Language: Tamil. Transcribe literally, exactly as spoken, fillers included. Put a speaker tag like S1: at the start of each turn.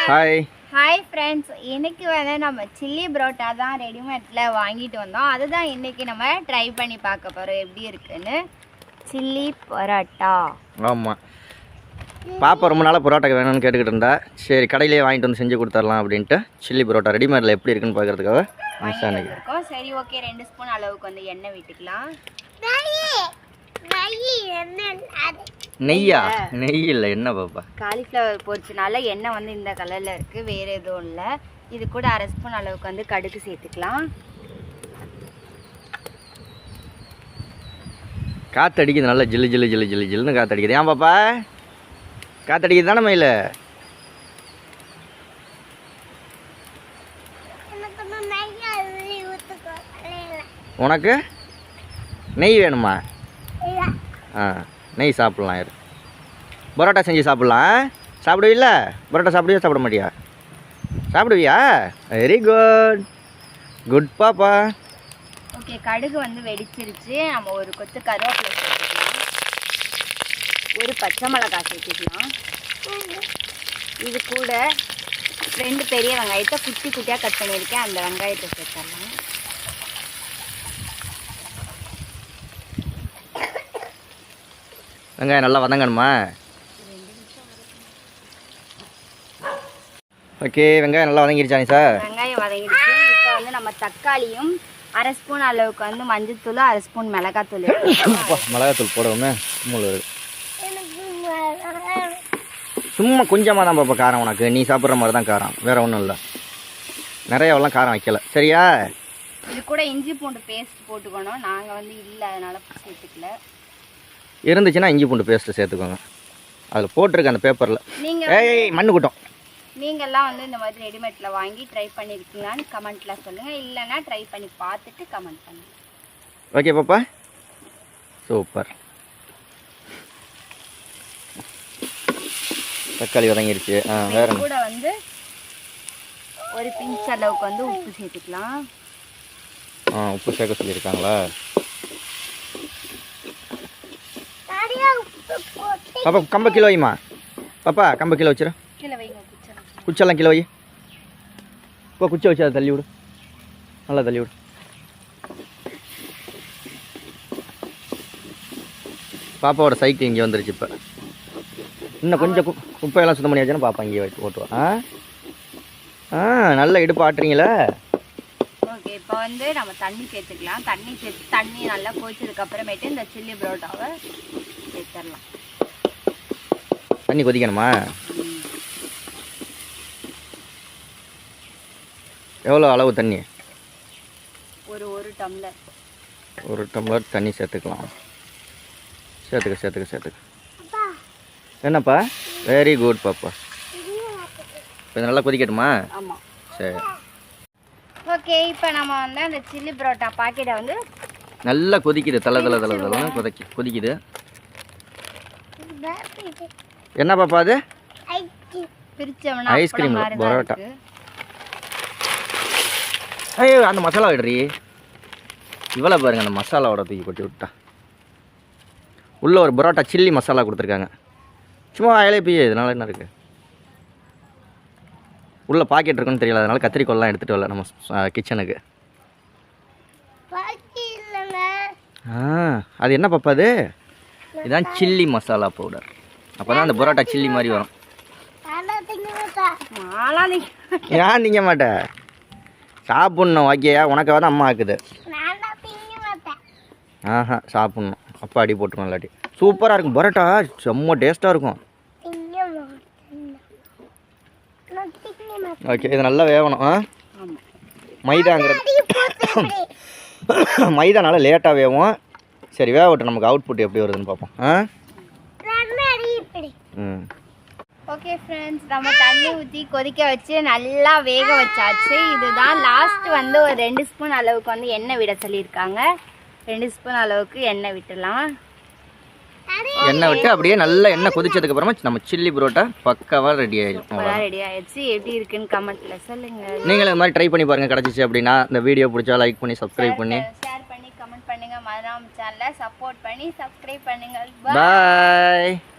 S1: ஹாய்
S2: ஹாய் ஃப்ரெண்ட்ஸ், இன்னைக்கு வந்து நம்ம சில்லி பரோட்டா தான் ரெடிமேடில் வாங்கிட்டு வந்தோம். அதுதான் இன்னைக்கு நம்ம ட்ரை பண்ணி பார்க்க போகிறோம் எப்படி இருக்குன்னு. சில்லி பரோட்டா.
S1: ஆமாம், பாப்பா ரொம்ப நாளாக பரோட்டா வேணும்னு கேட்டுக்கிட்டு இருந்தா. சரி, கடையிலேயே வாங்கிட்டு வந்து செஞ்சு கொடுத்துடலாம் அப்படின்ட்டு சில்லி பரோட்டா ரெடிமேடில் எப்படி இருக்குன்னு பார்க்குறதுக்காக
S2: இருக்கோம். சரி, ஓகே, ரெண்டு ஸ்பூன் அளவுக்கு வந்து எண்ணெய் விட்டுக்கலாம்.
S1: நெய்யா? நெய் இல்லை, என்ன பாப்பா?
S2: காலிஃப்ளவர் பொரிச்சனால எண்ணெய் வந்து இந்த கலரில் இருக்குது, வேறு எதுவும் இல்லை. இது கூட அரை ஸ்பூன் அளவுக்கு வந்து கடுகு சேர்த்துக்கலாம்.
S1: காற்றடிக்குது, நல்லா ஜில்லு ஜில்லு ஜில்லு ஜில்லு ஜில்லுன்னு காற்றடிக்குது. ஏன் பாப்பா? காற்றடிக்குது தானே மயில? உனக்கு நெய் வேணுமா? ஆ, நெய் சாப்பிட்லாம். இரு, பரோட்டா செஞ்சு சாப்பிட்லாம். சாப்பிடுவீல்ல? பரோட்டா சாப்பிடுவியா சாப்பிட மாட்டியா? சாப்பிடுவியா? வெரி குட் குட் பாப்பா.
S2: ஓகே, கடுகு வந்து வெடிச்சிருச்சு. நம்ம ஒரு கொத்து கருவேப்பிலை சேர்த்துக்கலாம், ஒரு பச்சை மிளகாய் சேர்த்துக்கலாம். இது கூட ரெண்டு பெரிய வெங்காயத்தை குட்டி குட்டியாக கட் பண்ணியிருக்கேன், அந்த வெங்காயத்தை சேர்த்துடலாம்.
S1: வெங்காயம் நல்லா வதங்கணுமா? ஓகே, வெங்காயம் நல்லா வதங்கிருச்சாங்க சார்?
S2: வெங்காயம் வதங்கிடுச்சு. இப்போ வந்து நம்ம தக்காளியும் அரை ஸ்பூன் அளவுக்கு வந்து மஞ்சத்தூள், அரை ஸ்பூன் மிளகாத்தூள்.
S1: மிளகாத்தூள் போடுவோமே. சும்மா கொஞ்சமாக தான் பாப்பா காரம். உனக்கு நீ சாப்பிட்ற மாதிரி தான் காரம், வேற ஒன்றும் இல்லை. நிறையாவெல்லாம் காரம் வைக்கல, சரியா?
S2: இது கூட இஞ்சி பூண்டு பேஸ்ட் போட்டுக்கணும். நாங்கள் வந்து இல்லை, அதனால சேர்த்துக்கல.
S1: இருந்துச்சுன்னா இஞ்சி பூண்டு பேஸ்ட்டு சேர்த்துக்கோங்க. அதில் போட்டிருக்க அந்த பேப்பரில். நீங்கள் ஏய் மண்ணு கூட்டம்.
S2: நீங்கள்லாம் வந்து இந்த மாதிரி ரெடிமேடில் வாங்கி ட்ரை பண்ணியிருக்கீங்களான்னு கமெண்ட்டில் சொல்லுங்கள். இல்லைன்னா ட்ரை பண்ணி பார்த்துட்டு கமெண்ட் பண்ணுங்கள்.
S1: ஓகே பாப்பா, சூப்பர். தக்காளி வதங்கிருச்சு. ஆ, வேற
S2: கூட வந்து ஒரு பிஞ்ச் அளவுக்கு வந்து உப்பு சேர்த்துக்கலாம்.
S1: ஆ, உப்பு சேர்க்க சொல்லியிருக்காங்களா? பாப்பா கம்ப கிலோ வைமா. பாப்பா கம்ப கிலோ வச்சிரு.
S2: கிலோ வைங்க.
S1: குச்செல்லாம் கிலோ வை. இப்போ குச்சை வச்சு அதை தள்ளி விடு, நல்லா தள்ளி விடு. பாப்பாவோட சைக்கிள் இங்கே வந்துருச்சு. இப்போ இன்னும் கொஞ்சம் குப்பையெல்லாம் சுத்தம் பண்ணி வச்சுன்னா பாப்பா இங்கே வச்சு ஓட்டுவா. ஆ ஆ நல்லா இடுப்பு ஆட்டுறீங்களா?
S2: ஓகே, இப்போ வந்து நம்ம தண்ணி சேர்த்துக்கலாம். தண்ணி சேர்த்து தண்ணி நல்லா கொதிச்சதுக்கு அப்புறமேட்டு இந்த சில்லி பரோட்டாவை சேர்த்துடலாம்.
S1: தண்ணி கொதிக்கணுமா? எவ்வளோ அளவு தண்ணி?
S2: ஒரு ஒரு டம்ளர்.
S1: ஒரு டம்ளர் தண்ணி சேர்த்துக்கலாம். சேர்த்துக்க சேர்த்துக்க சேர்த்துக்க. என்னப்பா? வெரி குட் பாப்பா. இப்போ நல்லா கொதிக்கட்டுமா?
S2: ஆமாம்.
S1: சரி,
S2: ஓகே. இப்போ நம்ம வந்து அந்த சில்லி பரோட்டா பாக்கெட்டை வந்து
S1: நல்லா கொதிக்குது. தலை தலை தலை தலை கொதிக்கி கொதிக்குது. என்ன பாப்பா அது?
S2: பிரிச்சவனா
S1: ஐஸ்கிரீம் பரோட்டா. ஐயோ, அந்த மசாலா விடுறி. இவ்வளோ பாருங்க, அந்த மசாலாவோட தூக்கி கொட்டி விட்டா. உள்ள ஒரு பரோட்டா சில்லி மசாலா கொடுத்துருக்காங்க. சும்மா அயலே போய் இதனால என்ன இருக்குது? உள்ள பாக்கெட் இருக்குன்னு தெரியல, அதனால கத்திரிக்கோல்லாம் எடுத்துகிட்டு வரல நம்ம கிச்சனுக்கு. ஆ, அது என்ன பாப்பா அது? இதுதான் சில்லி மசாலா பவுடர். அப்போ தான் அந்த பரோட்டா சில்லி மாதிரி வரும். ஏன் திங்க மாட்டேன்? சாப்பிட்ணும். ஓகேயா? உனக்காக தான் அம்மா ஆக்குது. ஆஹா, சாப்பிட்ணும். அப்பா அடி போட்டுருவோம். இல்லாட்டி சூப்பராக இருக்கும் பரோட்டா, செம்ம டேஸ்ட்டாக இருக்கும். ஓகே, இது நல்லா வேகணும். ஆ, மைதாங்கிறது மைதானால லேட்டாக வேகும். சரி, வேகட்டும். நமக்கு அவுட்புட் எப்படி வருதுன்னு பார்ப்போம். ஆ, ம்.
S2: ஓகே ஃப்ரெண்ட்ஸ், நம்ம தண்ணி ஊற்றி கொதிக்க வச்சு நல்லா வேக வச்சாச்சு. இதுதான் லாஸ்ட் வந்து ஒரு ரெண்டு ஸ்பூன் அளவுக்கு வந்து எண்ணெய் விட சொல்லியிருக்காங்க. ரெண்டு ஸ்பூன் அளவுக்கு எண்ணெய் விட்டுலாம்.
S1: எண்ணெய் விட்டு அப்படியே நல்லா எண்ணெய் கொதிச்சதுக்கு அப்புறமா நம்ம சில்லி பரோட்டா பக்காவாக ரெடி ஆயிடும்.
S2: ரெடி ஆயிடுச்சு. எப்படி இருக்குன்னு கமெண்ட்ல சொல்லுங்க.
S1: நீங்களும் இந்த மாதிரி ட்ரை பண்ணி பாருங்க. கிடச்சிச்சு அப்படின்னா இந்த வீடியோ பிடிச்சா லைக் பண்ணி சப்ஸ்கிரைப் பண்ணி
S2: ஷேர் பண்ணி கமெண்ட் பண்ணுங்க. மறக்காம சேனலை சப்போர்ட் பண்ணி சப்ஸ்கிரைப் பண்ணுங்க.
S1: பாய்.